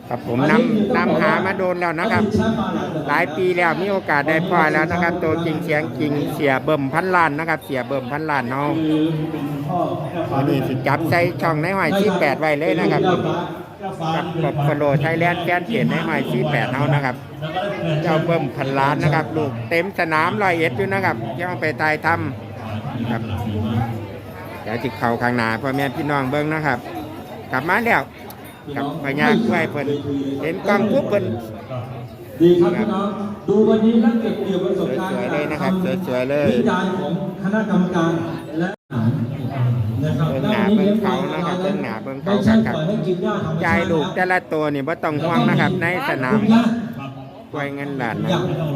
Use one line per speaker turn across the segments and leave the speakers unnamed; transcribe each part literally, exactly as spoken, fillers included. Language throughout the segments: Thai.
ครับผมนำนำหามาโดนแล้วนะครับหลายปีแล้วมีโอกาสได้พลอยแล้วนะครับตัวจริงเสียงจริงเสียเบิ่มพันล้านนะครับเสียเบิ่มพันล้านเนาะวันนี้สิจับใส่ช่องในหอยที่แปดไว้เลยนะครับกับกบฟโลไทยแลนด์แฟนเพจในหอยที่แปดเนานะครับเจ้าเบิ่มพันล้านนะครับลูกเต็มสนามร้อยเอ็ดอยู่นะครับย่องไปตายทำครับเดี๋ยวจิกเข่าข้างหน้าพ่อแม่พี่น้องเบิ้งนะครับกลับมาแล้วกับพญาด้วยเพิ่นเห็นกล้องปุ๊บเพิ่น
ดีครับพี่น้องดูวันนี้นักเก็บเกี่ยวประสบการณ์
สวยๆเลยนะครับสวยๆเลย
วิจารณ์ของคณะกรรมการและนะครับ
เบิ่งหน้าเบิ่งเขานะครับเบิ่งหน้าเบิ่งเขาครับใจลูกแต่ละตัวนี่บ่ต้องห่วงนะครับในสนามกล้วยเงินล้านนะ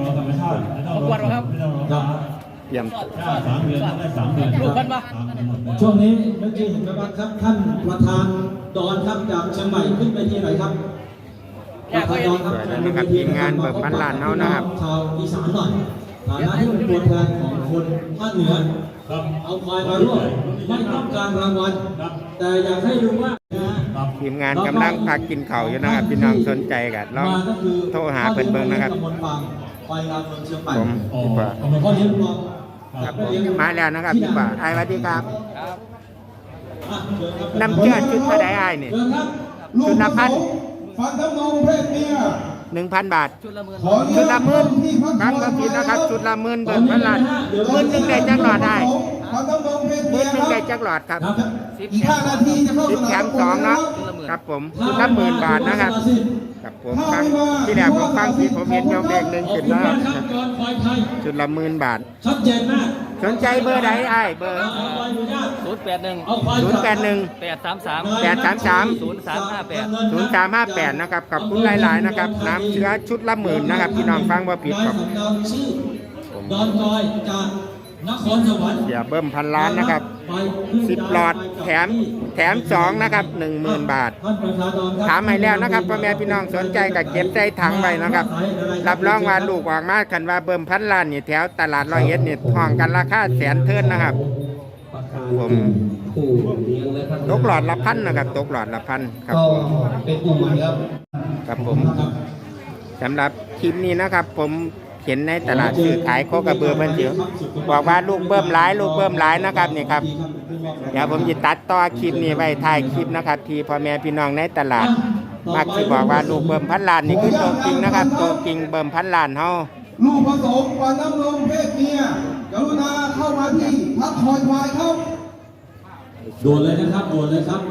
เยี่ยม
ลูกกันปะช่วงนี้เมื่อกี้เห็นไหมครับท่านประธานดอนครับจากเชียงใหม่ขึ้นไปที่ไหนครับประธานดอนครับ
นะครับทีมงานเบิกพันล้านเนานะครับ
ชาวอีสานหน่อยฐานะที่เป็นตัวแทนของคนภาคเหนือเอาควายมาร่วมไม่ต้องการรางวัลแต่อยากให้รู้ว่า
ทีมงานกำลังพักกินข้าวอยู่นะครับพี่น้องสนใจกันลองโทรหาเพิ่นเบิ่งนะครับผมพี่ป่าครับมาแล้วนะครับพี่ป่าไอ้สวัสดีครับน้ำเชื่อชุดกระไดไอ้นี่ชุดละพัน
ฟันน้ำนมเพศเมีย
หนึ่งพันบาทชุดละหมื่นชุดละหมื่นครับก็ผิดนะครับชุดละหมื่นเบิดพันล้านหมื่นหนึ่งได้จักหลอดได้หมื่นหนึ่งได้จักหลอดครับสิบแถมสองเนาะครับผมชุดละหมื่นบาทนะครับกับผมฟังที่แรกผมฟังที่ผมเห็นยกเลขหนึ่งขึ้นแล้วชุดละหมื่นบาท
ชัดเจนมาก
สนใจเบอร์ใดไอ้เบอร์
ศูนย์แปดหนึ่ง
ศูนย์แปดหนึ่ง
แปดสามสาม
แปดสามสาม
ศูนย์สามห้าแปด
ศูนย์สามห้าแปดนะครับขอบคุณหลายๆนะครับน้ำเชื้อชุดละหมื่นนะครับพี่น้องฟังว่าผิดครับ
ดอนจอยจากนครสวรรค์
เสียเบิ่มพันล้านนะครับสิบหลอดแถมแถมสองนะครับหนึ่งหมื่นบาทถามให้แล้วนะครับพ่อแม่พี่น้องสนใจกับเก็บใจถังไว้นะครับรับรองว่าลูกออกมาคันว่าเบิ่มพันล้านนี่แถวตลาดร้อยเอ็ดนี่ห้องกันราคาแสนเทินนะครับผมตกหลอดละพันนะครับตกหลอดละพันครับผม
เป็นกลุ่มใหม่ครับ
ครับผมสำหรับคลิปนี้นะครับผมเห็นในตลาดซื้อขายโคกระเบือเพิ่นเสียวบอกว่าลูกเบิ่มหลายลูกเบิ่มหลายนะครับนี่ครับเดี๋ยวผมจะตัดต่อคลิปนี้ไว้ท้ายคลิปนะครับที่พ่อแม่พี่น้องในตลาดมักจะบอกว่าลูกเบิ่มพันล้านนี่คือตัวจริงนะครับตัวจริงเบิ่มพันล้านเฮา
ลูกผสมฟันน้ำนมเพศเมียกรุณาเข้ามาที่พักคอยควายครับ
โดนเลยนะครับโดนเลยครับ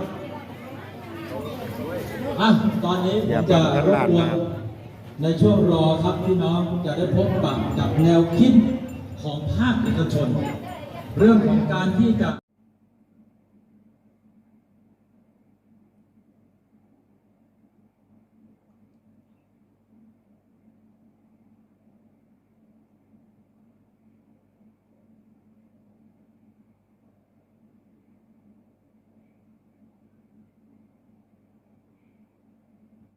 อ่ะตอนนี้ผมจะรบกวนในช่วงรอครับพี่น้องจะได้พบปะกับแนวคิดของภาคเอกชนเรื่องของการที่จะ